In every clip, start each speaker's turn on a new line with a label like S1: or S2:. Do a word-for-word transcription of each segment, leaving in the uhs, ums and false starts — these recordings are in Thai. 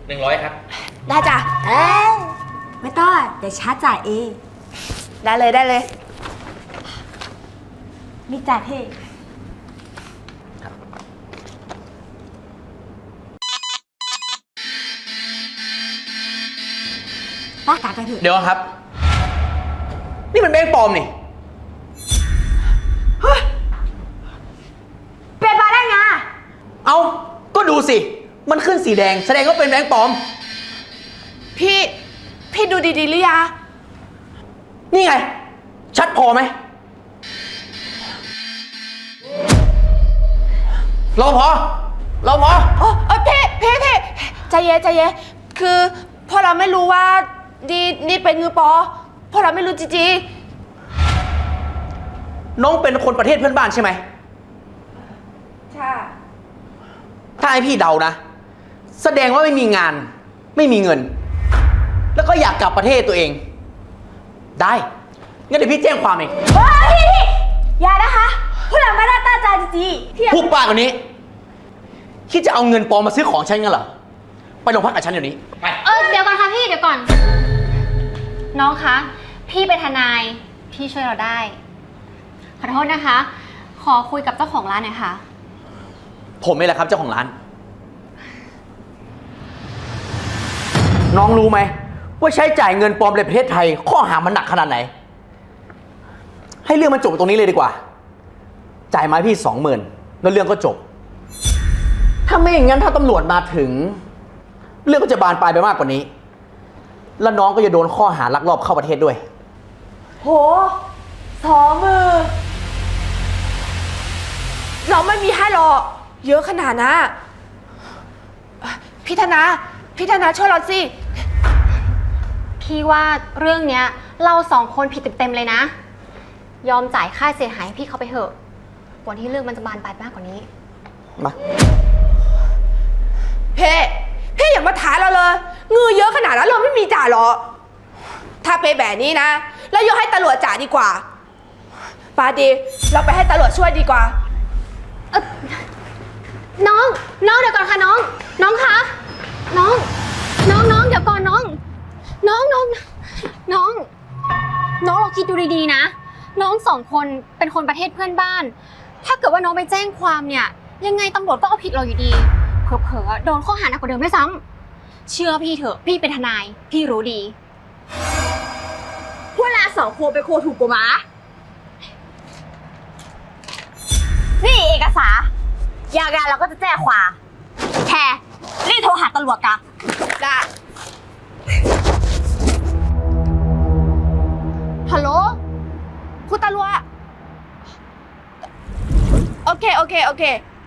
S1: หนึ่งร้อยครับ
S2: ได้จ้ะเอ้ยไม่ต้องเดี๋ยวชาร์จจ่ายเองได้เลยได้เลยมีจ่ายพี่ป้ากากันเถอะ
S1: เดี๋ยวครับนี่มันแบงค์ปลอมนี่
S2: เป็นมาได้ไง
S1: เอาก็ดูสิมันขึ้นสีแดงแสดงว่าเป็นแบงค์ปลอม
S2: พี่พี่ดูดีๆหรือยัง
S1: นี่ไงชัดพอไหมรอพอรอพอ
S2: โอ้ยพี่พี่พี่ใจเย็นใจเย็นคือพอเราไม่รู้ว่าดีนี่เป็นเงือปอพอเราไม่รู้จริง
S1: น้องเป็นคนประเทศเพื่อนบ้านใช่ไหม
S2: ใช่
S1: ถ้าให้พี่เดานะแสดงว่าไม่มีงานไม่มีเงินแล้วก็อยากกลับประเทศตัวเองได้งั้นเดี๋ยวพี่แจ้งความเอง
S2: เฮ้ยพี่พี่อย่านะคะพวกเราไม่ได้ตั้งใจจริง
S1: ๆพูดปากกว่านี้คิดจะเอาเงินปลอมมาซื้อของฉันงั้นเหรอไปโรงพักกับฉันเดี๋ยวนี้ไป
S3: เออเดี๋ยวก่อนค่ะพี่เดี๋ยวก่อนน้องคะพี่เป็นทนายพี่ช่วยเราได้ขอโทษนะคะขอคุยกับเจ้าของร้านหน่อยค่ะ
S1: ผมนี่แหละครับเจ้าของร้านน้องรู้ไหมว่าใช้จ่ายเงินปลอมในประเทศไทยข้อหามันหนักขนาดไหนให้เรื่องมันจบตรงนี้เลยดีกว่าจ่ายมาพี่สองหมื่นแล้วเรื่องก็จบถ้าไม่อย่างนั้นถ้าตำรวจมาถึงเรื่องก็จะบานปลายไปมากกว่านี้แล้วน้องก็จะโดนข้อหาลักลอบเข้าประเทศด้วย
S2: โหสองมือเราไม่มีให้หรอกเยอะขนาดนะพี่ธนาพี่ธนาช่วยเราสิ
S3: พี่ว่าเรื่องเนี้ยเราสองคนผิดเต็มๆเลยนะยอมจ่ายค่าเสียหายให้พี่เขาไปเถอะกว่าที่เรื่องมันจะบานปลายมากกว่านี้
S1: มา
S2: เพ่เพ่อย่ามาถามเราเลยเงินเยอะขนาดนั้นเราไม่มีจ่ายหรอถ้าเป็นแบบนี้นะแล้วยกให้ตำรวจจ่ายดีกว่าปาดีเราไปให้ตำรวจช่วยดีกว่า
S3: เออน้องน้องเดี๋ยวก่อนค่ะน้องน้องคะน้องน้องน้องเดี๋ยวก่อนน้องน้องน้องน้องน้องเราคิดดูดีๆนะน้องสองคนเป็นคนประเทศเพื่อนบ้านถ้าเกิดว่าน้องไปแจ้งความเนี่ยยังไงตำรวจก็เอาผิดเราอยู่ดีเผลอๆโดนข้อหาหนักกว่าเดิมด้วยซ้ำเชื่อพี่เถอะพี่เป็นทนายพี่รู้ดี
S2: เวลาสองคนไปโคถูกกว่าหมานี่เอกสารอยากงานเราก็จะแจ้งความแค่รีบโทรหาตำรวจกันได้ฮัลโหลคุณตำรวจโอเคโอเคโอเค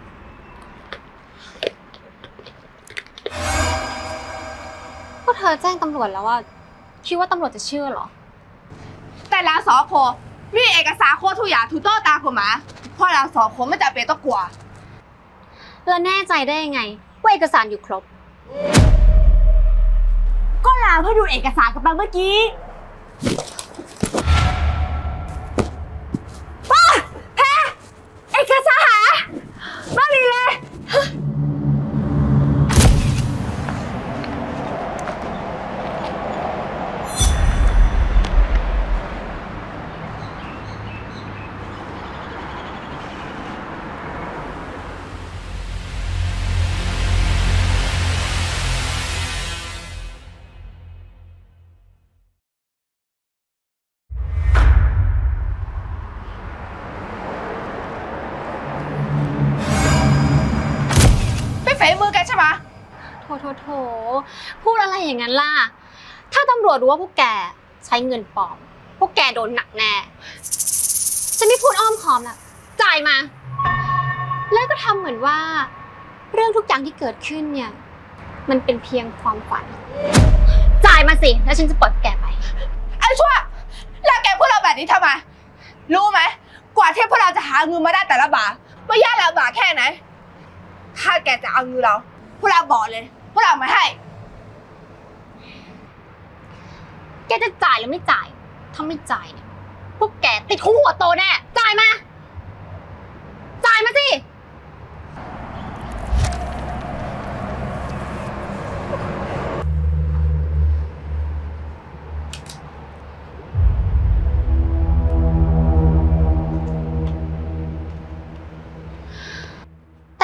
S3: ก็เธอแจ้งตำรวจแล้วว่าคิดว่าตำรวจจะเชื่อเหรอ
S2: แต่เราสองคนมีเอกสารโคตรทุกอย่างถูกต้องตามกฎหมายเพราะเราสองคนไม่จำเป็นต้องกลัว
S3: แล้วแน่ใจได้ยังไงว่าเอกสารอยู่ครบ
S2: ก็ลาเพื่อดูเอกสารกันไปเมื่อกี้ป้าแพ้เอกสารหาไม่มีเลยมือกันใช่ไหม
S3: โถโถโถพูดอะไรอย่างนั้นล่ะถ้าตำรวจรู้ว่าพวกแกใช้เงินปลอมพวกแกโดนหนักแน่จะไม่พูดอ้อมค้อมละจ่ายมาแล้วก็ทำเหมือนว่าเรื่องทุกอย่างที่เกิดขึ้นเนี่ยมันเป็นเพียงความฝันจ่ายมาสิแล้วฉันจะปล่อยแกไป
S2: ไอ้ชั่วแล้วแกพวกเราแบบนี้ทำไมรู้ไหมกว่าที่พวกเราจะหาเงินมาได้แต่ละบาทว่ายากลำบากแค่ไหนถ้าแกจะเอาเงินเราพวกเราบอกเลยพวกเราไม่ให้
S3: แกจะจ่ายหรือไม่จ่ายถ้าไม่จ่ายเนี่ยพวกแกติดคุกหัวโตแน่จ่ายมาจ่ายมาสิ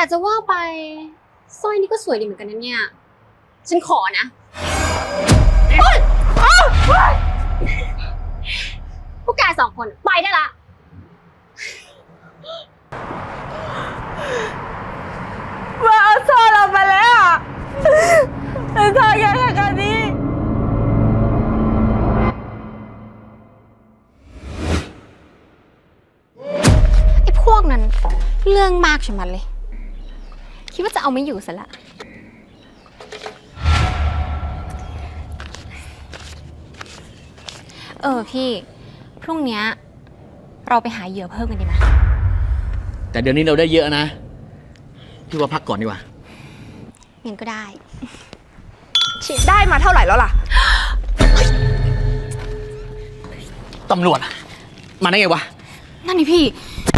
S3: จะว่าไปสร้อยนี่ก็สวยดีเหมือนกันนะเนี่ย ฉันขอนะพวกแกสองคนไปได้ละ
S2: มาเอาโซ่เราไปแล้วอ่ะแต่ทางยังไงกันนี้
S3: ไอ้พวกนั้นเรื่องมากใช่มันเลย คิดว่าจะเอาไม่อยู่ซะละ เออพี่ พรุ่งเนี้ยเราไปหาเหยื่อเพิ่มกันดีไหม
S1: แต่เดี๋ยวนี้เราได้เยอะนะ พี่ว่าพักก่อนดีกว่า
S3: งั้นก็ได้
S2: ได้มาเท่าไหร่แล้วล่ะ
S1: ตำรวจ มาได้ไงวะ
S3: นั่นนี่พี่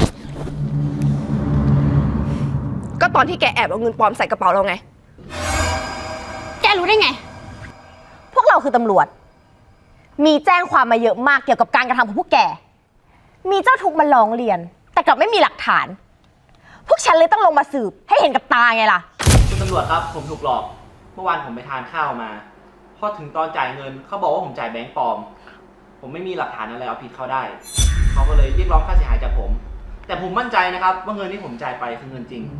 S2: ก็ตอนที่แกแอบเอาเงินปลอมใส่กระเป๋าเราไง
S3: แกรู้ได้ไง
S4: พวกเราคือตำรวจ มีแจ้งความมาเยอะมากเกี่ยวกับการกระทำของพวกแก มีเจ้าทุกข์มาร้องเรียน แต่กลับไม่มีหลักฐาน พวกฉันเลยต้องลงมาสืบให้เห็นกับตาไงล่ะ
S5: คุณตำรวจครับผมถูกหลอก เมื่อวานผมไปทานข้าวมา พอถึงตอนจ่ายเงินเขาบอกว่าผมจ่ายแบงก์ปลอม ผมไม่มีหลักฐานอะไรเอาผิดเขาได้ เขาก็เลยเรียกร้องค่าเสียหายจากผม แต่ผมมั่นใจนะครับว่าเงินที่ผมจ่ายไปคือเงินจริง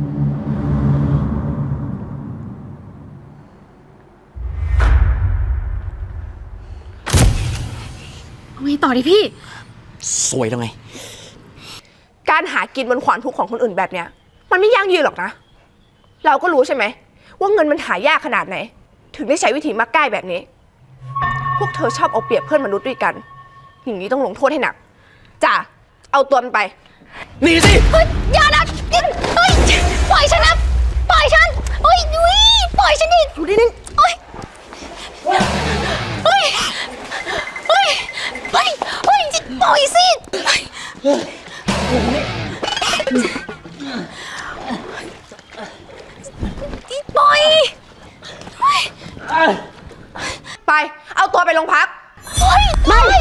S3: เอาไงต่อดิพี่
S1: สวยแล้วไง
S2: การหากินบนขวานทุกข์ของคนอื่นแบบเนี้ย มันไม่ยั่งยืนหรอกนะ เราก็รู้ใช่ไหมว่าเงินมันหายากขนาดไหน ถึงได้ใช้วิธีมักง่ายแบบนี้ พวกเธอชอบเอาเปรียบเพื่อนมนุษย์ด้วยกัน อย่างนี้ต้องลงโทษให้หนักจ้ะเอาตัวมันไป
S1: หนีสิ
S3: เฮ้ยอย่านะเฮ้ยปล่อยฉันนะปล่อยฉันเฮ้ยยุ้ยปล่อยฉันดิอยู่ดินึงเฮ้ยเฮ้ยเฮ้ยเฮ้ยเฮ้ยปล่อยสิปล่อย
S2: ไป เอาตัวไปโรงพัก
S3: เฮ้ยไม่